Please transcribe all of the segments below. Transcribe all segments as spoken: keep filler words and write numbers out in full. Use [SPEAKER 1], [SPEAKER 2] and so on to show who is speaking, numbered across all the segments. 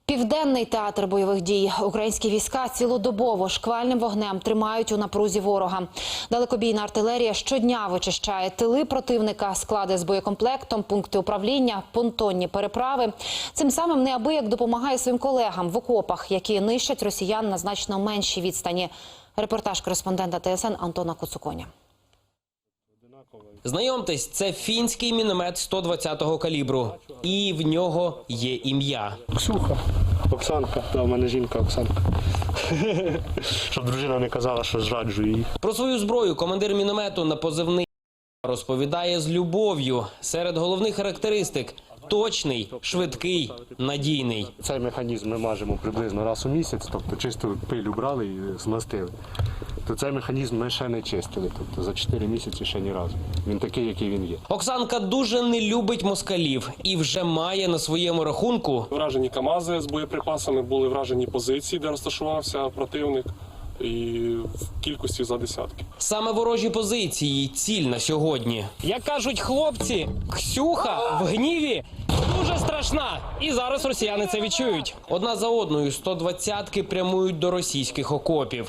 [SPEAKER 1] Південний театр бойових дій. Українські війська цілодобово шквальним вогнем тримають у напрузі ворога. Далекобійна артилерія щодня вичищає тили противника, склади з боєкомплектом, пункти управління, понтонні переправи. Цим самим неабияк допомагає своїм колегам в окопах, які нищать росіян на значно меншій відстані. Репортаж кореспондента Т С Н Антона Коцуконя.
[SPEAKER 2] Знайомтесь, це фінський міномет сто двадцятого калібру. І в нього є ім'я.
[SPEAKER 3] Ксюха. Оксанка. Да, в мене жінка Оксанка. Щоб дружина не казала, що зраджую її.
[SPEAKER 2] Про свою зброю командир міномету на позивний розповідає з любов'ю. Серед головних характеристик – точний, швидкий, надійний.
[SPEAKER 3] Цей механізм ми мажемо приблизно раз у місяць, тобто чисту пилю брали і змастили. То цей механізм ми ще не чистили, тобто за чотири місяці ще ні разу. Він такий, який він є.
[SPEAKER 2] Оксанка дуже не любить москалів і вже має на своєму рахунку
[SPEAKER 4] Вражені КАМАЗи з боєприпасами, були вражені позиції, де розташувався противник, і в кількості за десятки.
[SPEAKER 2] саме ворожі позиції – ціль на сьогодні. Як кажуть хлопці, Ксюха в гніві дуже страшна. І зараз росіяни це відчують. Одна за одною сто двадцятки прямують до російських окопів.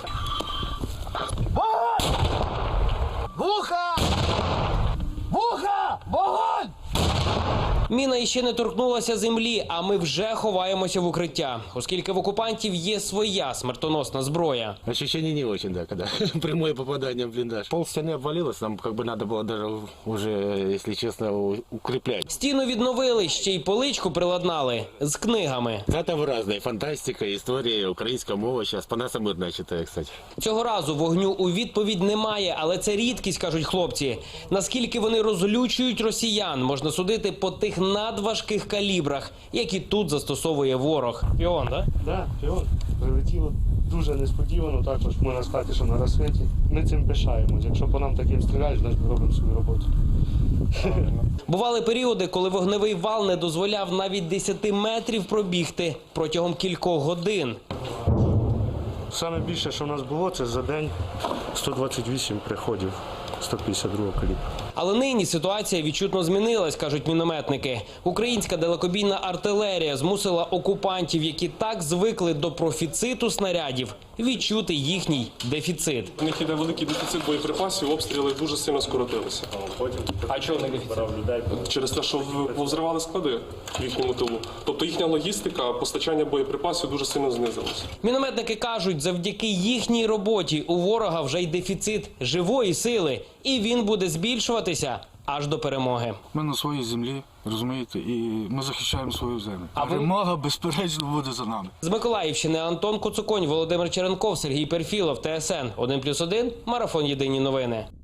[SPEAKER 5] Вуха! Вуха! Вогонь!
[SPEAKER 2] Міна іще не торкнулася землі, а ми вже ховаємося в укриття, оскільки в окупантів є своя смертоносна зброя.
[SPEAKER 6] Ощущение не очень, да, когда прямое попадание в блиндаж. Пол стены обвалилось, нам как бы надо было даже уже, если честно, укреплять.
[SPEAKER 2] Стіну відновили, ще й поличку приладнали з книгами.
[SPEAKER 6] Это разная фантастика, история, украинская мова сейчас по нас мирная читаю, кстати.
[SPEAKER 2] Цього разу вогню у відповідь немає, але це рідкість, кажуть хлопці. Наскільки вони розлючують росіян, можна судити по тих надважких калібрах, які тут застосовує ворог. Піон, так?
[SPEAKER 3] Так, піон. Прилетіло дуже несподівано, також можна сказати, що на розсвіті. Ми цим пишаємось. Якщо по нам таким стріляють, значить ми робимо свою роботу.
[SPEAKER 2] Бували періоди, коли вогневий вал не дозволяв навіть десяти метрів пробігти протягом кількох годин.
[SPEAKER 3] Саме більше, що в нас було, це за день сто двадцять вісім приходів сто п'ятдесят другого калібру.
[SPEAKER 2] Але нині ситуація відчутно змінилась, кажуть мінометники. Українська далекобійна артилерія змусила окупантів, які так звикли до профіциту снарядів, відчути їхній дефіцит.
[SPEAKER 4] У них іде великий дефіцит боєприпасів, обстріли дуже сильно скоротилися.
[SPEAKER 2] А чого не дефіцит?
[SPEAKER 4] Через те, що повзривали склади в їхньому тилу. Тобто їхня логістика, постачання боєприпасів дуже сильно знизилося.
[SPEAKER 2] Мінометники кажуть, завдяки їхній роботі у ворога вже й дефіцит живої сили. І він буде збільшуватися аж до перемоги.
[SPEAKER 7] Ми на своїй землі, розумієте, і ми захищаємо свою землю.
[SPEAKER 2] А ви-
[SPEAKER 7] Перемога, безперечно, буде за нами.
[SPEAKER 2] З Миколаївщини Антон Коцуконь, Володимир Черенков, Сергій Перфілов, Т С Н один плюс один, Марафон Єдині новини.